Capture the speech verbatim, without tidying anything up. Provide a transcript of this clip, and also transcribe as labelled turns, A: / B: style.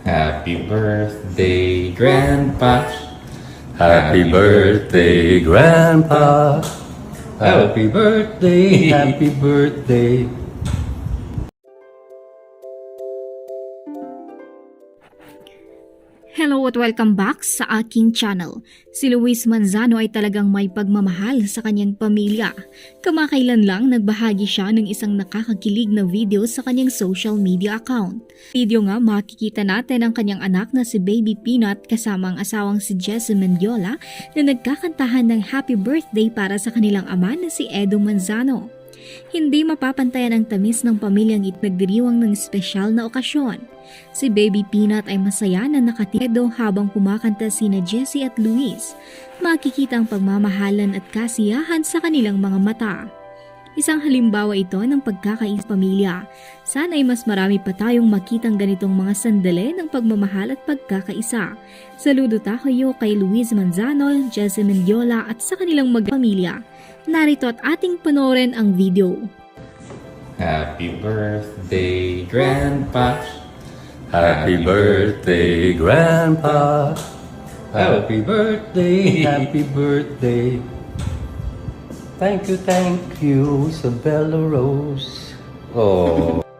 A: Happy birthday, Grandpa.
B: Happy birthday, Grandpa. Happy birthday, happy birthday.
C: Hello at welcome back sa aking channel. Si Luis Manzano ay talagang may pagmamahal sa kanyang pamilya. Kamakailan lang nagbahagi siya ng isang nakakakilig na video sa kanyang social media account. Video nga makikita natin ang kanyang anak na si Baby Peanut kasama ang asawang si Jessie Mendiola na nagkakantahan ng happy birthday para sa kanilang ama na si Edo Manzano. Hindi mapapantayan ang tamis ng pamilyang it nagdiriwang ng espesyal na okasyon. Si Baby Peanut ay masaya na nakatido habang kumakanta sina Jessie at Luis. Makikita ang pagmamahalan at kasiyahan sa kanilang mga mata. Isang halimbawa ito ng pagkakais pamilya. Sana ay mas marami pa tayong makitang ganitong mga sandali ng pagmamahal at pagkakaisa. Saludo tayo kay Luis Manzano, Jessie Mendiola at sa kanilang magpamilya. Narito at ating panoorin ang video.
A: Happy birthday, Grandpa.
B: Happy birthday, Grandpa. Happy birthday, happy birthday. Thank you, thank you, Isabella Rose. Oh.